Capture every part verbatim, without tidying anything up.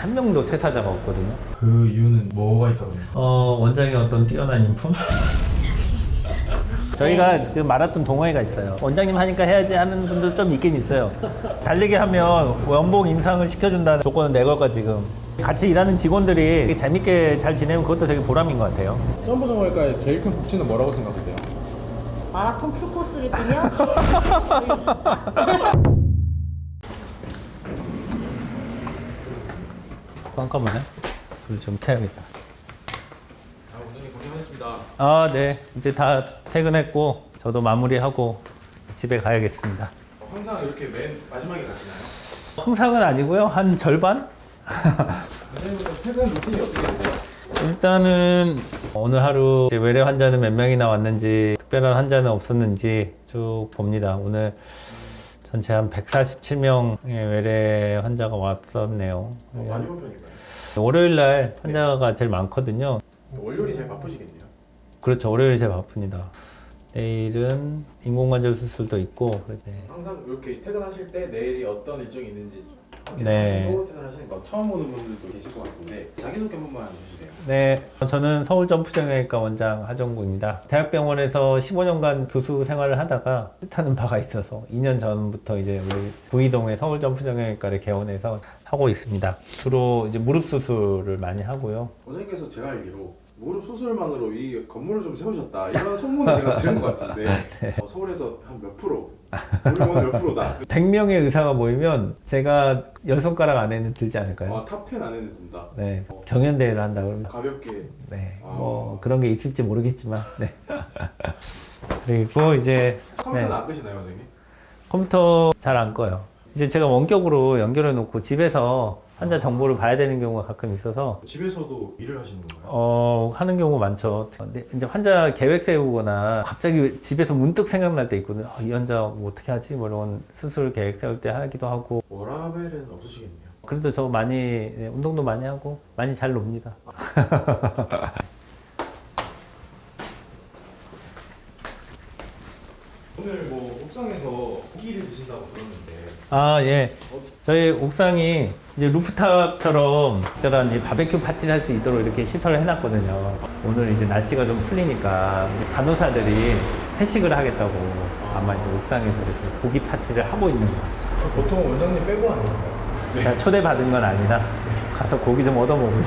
한 명도 퇴사자가 없거든요. 그 이유는 뭐가 있다고 생각해요? 어, 원장의 어떤 뛰어난 인품? 저희가 그 마라톤 동호회가 있어요. 원장님 하니까 해야지 하는 분들 좀 있긴 있어요. 달리기 하면 연봉 인상을 시켜준다는 조건은 내 걸까 지금. 같이 일하는 직원들이 재밌게 잘 지내면 그것도 되게 보람인 것 같아요. 점프 정할까의 제일 큰 복지는 뭐라고 생각하세요? 마라톤 풀코스를 뛰면 깜깜하네. 불을 좀 켜야겠다. 아, 원장님 고생하셨습니다. 아, 네. 이제 다 퇴근했고 저도 마무리하고 집에 가야겠습니다. 어, 항상 이렇게 맨 마지막에 가시나요? 항상은 아니고요. 한 절반? 원장님은 퇴근 루틴이 어떻게 되세요? 일단은 오늘 하루 이제 외래 환자는 몇 명이나 왔는지, 특별한 환자는 없었는지 쭉 봅니다. 오늘 전체 한 백사십칠 명의 외래 환자가 왔었네요. 어, 많이 온 편인가요? 월요일 날 환자가 제일 많거든요. 월요일이 제일 바쁘시겠네요. 그렇죠. 월요일이 제일 바쁩니다. 내일은 인공관절 수술도 있고. 그래서 항상 이렇게 퇴근하실 때 내일이 어떤 일정이 있는지 네. 확인하시고 퇴근하시는 거 처음 오는 분들도 계실 것 같은데 자기소개 한 번만 해주세요. 네, 저는 서울점프정형외과 원장 하정구입니다. 대학병원에서 십오 년간 교수 생활을 하다가 뜻하는 바가 있어서 이 년 전부터 이제 우리 구이동의 서울점프정형외과를 개원해서 하고 있습니다. 주로 이제 무릎 수술을 많이 하고요. 원장님께서 제가 알기로 무릎 수술만으로 이 건물을 좀 세우셨다 이런 소문을 제가 들은 것 같은데 네. 어, 서울에서 한 몇 프로? 무릎은 몇 프로다? 백 명의 의사가 모이면 제가 열 손가락 안에는 들지 않을까요? 아, 탑 텐 안에는 든다. 네, 경연대회를 한다 그러면 가볍게. 네, 아. 뭐 그런 게 있을지 모르겠지만 네. 그리고 이제 컴퓨터는 네. 안 끄시나요, 원장님? 컴퓨터 잘 안 꺼요. 이제 제가 원격으로 연결해 놓고 집에서 환자 정보를 봐야 되는 경우가 가끔 있어서 집에서도 일을 하시는 건가요? 어, 하는 경우 많죠. 근데 이제 환자 계획 세우거나 갑자기 집에서 문득 생각날 때 있거든요. 아, 이 환자 뭐 어떻게 하지? 뭐 이런 수술 계획 세울 때 하기도 하고. 워라벨은 없으시겠네요. 그래도 저 많이 네, 운동도 많이 하고 많이 잘 놉니다. 오늘 뭐 옥상에서 고기를 드신다고 들었는데 아, 예. 저희 옥상이 이제 루프탑처럼 저런 이 바베큐 파티를 할 수 있도록 이렇게 시설을 해놨거든요. 오늘 이제 날씨가 좀 풀리니까 간호사들이 회식을 하겠다고 아마 이제 옥상에서 이렇게 고기 파티를 하고 있는 것 같습니다. 보통 원장님 빼고 하는 건가요? 제가 초대받은 건 아니라 가서 고기 좀 얻어먹으려고.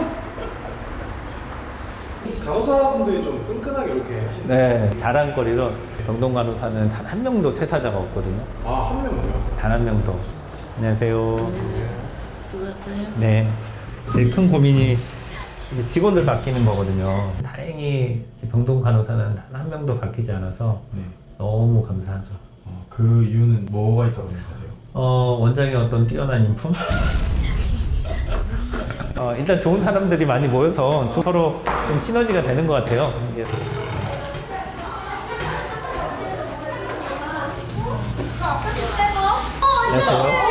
간호사분들이 좀 끈끈하게 이렇게 하시는 네, 자랑거리로 병동 간호사는 단 한 명도 퇴사자가 없거든요. 아, 한 명도요? 단 한 명도. 안녕하세요. 수고하세요. 네. 제일 큰 고민이 이제 직원들 바뀌는 거거든요. 다행히 이제 병동 간호사는 단 한 명도 바뀌지 않아서 네. 너무 감사하죠. 어, 그 이유는 뭐가 있다고 생각하세요? 어, 원장의 어떤 뛰어난 인품? 어, 일단 좋은 사람들이 많이 모여서 좀 서로 좀 시너지가 되는 것 같아요. 이게. 안녕하세요.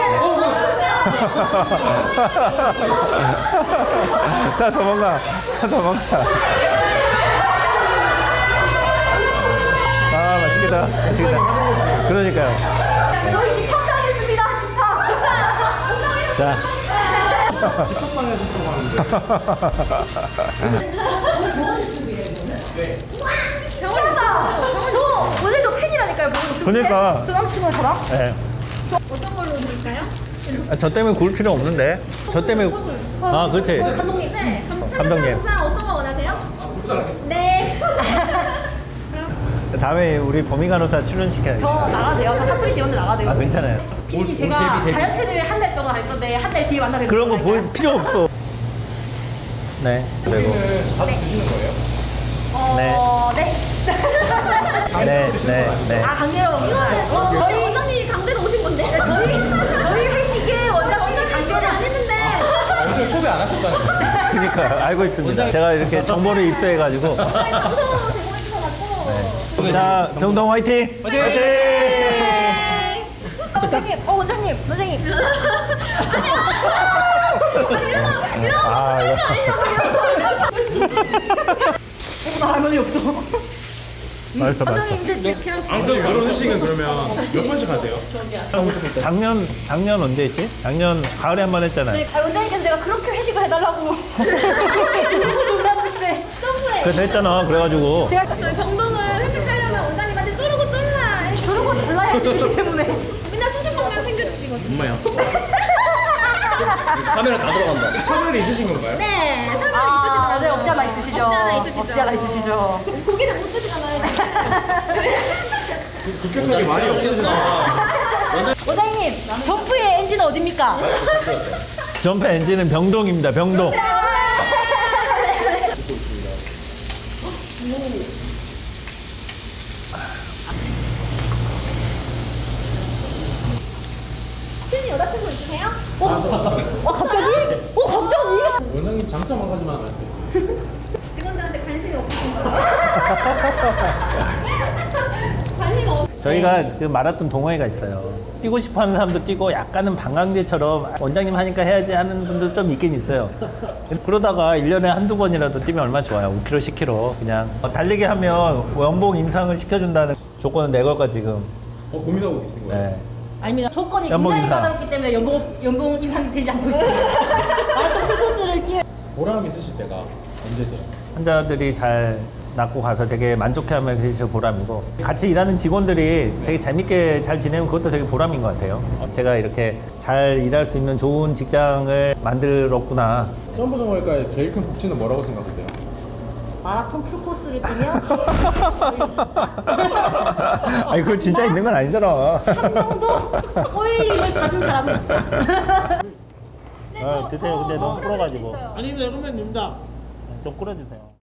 다 도망가. 다 도망가. 아, 맛있겠다. 맛있겠다. 그러니까요. 저희 집 협상했습니다. 집합. 자. 식탁방에서 들어가는데 병원이다. 저 오늘도 팬이라니까요. 그러니까. 그 남친구랑 저랑. 네. 어떤 걸로 드릴까요? 아, 저 때문에 구울 필요 없는데. 저 때문에. 아, 그렇지. 감독님. 네. 감독님. 감사 어떤 거 원하세요? 네. 다음에 우리 범위 간호사 출연시켜야지. 저 나가도 돼요. 저 사투리 지원도 나가도 돼요. 아, 괜찮아요. 피디님 제가 다이어트를 한 달 동안 할 건데 한 달 뒤에 만나면 그런 거 보일 필요 없어. 네. 그리고. 자주 드시는 거예요? 어, 네. 네, 네, 네. 아, 강제로 먹는구나. 어, 저희 저희 원장님이 강제로 오신 건데. 저희 저희 회식에 원장님 원장님 초대 강제로 안 했는데. 오늘 초대 안 하셨다는 거예요? 그러니까 알고 있습니다. 제가 이렇게 정보를 입수해가지고. 장소 제공해 주셔가지고. 자, 병동 화이팅! 화이팅! 원장님, 어 원장님, 원장님. 아니 이러면 이러면 아, 너무 이거. 절대 아니냐고. 어, 나 할머니 없어. 맛있어, 맛있어. 원장님 이제 그냥 아무튼 이런 회식은 그러면 몇 번씩 하세요? 작년, 작년 언제 했지? 작년 가을에 한 번 했잖아요. 아, 원장님께서 내가 그렇게 회식을 해달라고 너무 놀랐을 때 점프해. 그래서 했잖아. 그래가지고. 제가 저희 병동은 회식하려면 원장님한테 쪼르고 쫄라. 저러고 달라야 해주시기 때문에 맨날 수십 방면 챙겨주시거든요. 엄마야. 카메라 다 들어간다. 차별이 있으신 건가요? 네, 설명 아, 있으시더라고요. 네, 없지 않아 있으시죠? 없지 않아 있으시죠. 없지 않아 있으시죠? 고기를 못 드시잖아요, 지금. 급격하게 말이 없어지나. 원장님, 점프의 엔진은 어딥니까? 점프 엔진은 병동입니다. 병동. 팬이 여자친구 있으세요? 어, 갑자기? 어, 갑자기? 원장님 장점 한 가지만 말씀해주세요. 직원들한테 관심이 없으신 거예요? 관심이 없. 저희가 그 마라톤 동호회가 있어요. 뛰고 싶어 하는 사람도 뛰고 약간은 방광제처럼 원장님 하니까 해야지 하는 분도 좀 있긴 있어요. 그러다가 일 년에 한두 번이라도 뛰면 얼마나 좋아요. 오 킬로미터, 십 킬로미터. 그냥 달리기 하면 연봉 인상을 시켜준다는 조건은 내 걸까 지금. 어, 고민하고 계신 거예요? 네. 아닙니다. 조건이 연봉 굉장히 인상. 까다롭기 때문에 연봉, 없- 연봉 인상이 되지 않고 있어요. 마라톤 풀코스를 뛰어 보람 있으실 때가 언제세요? 환자들이 잘 낫고 가서 되게 만족해하면 그게 저 보람이고 같이 일하는 직원들이 되게 재밌게 잘 지내면 그것도 되게 보람인 것 같아요. 제가 이렇게 잘 일할 수 있는 좋은 직장을 만들었구나. 점프정월과의 제일 큰 복지는 뭐라고 생각하세요? 마라톤 풀코스를 뛰면 아니 그거 진짜 있는 건 아니잖아. 한 명도 호일링을 받은 사람은 네, 아, 더, 드세요. 더, 근데 더 너무 끌어줄 수 풀어가지고. 있어요. 아닙니다, 선배님입니다. 좀 끓여주세요.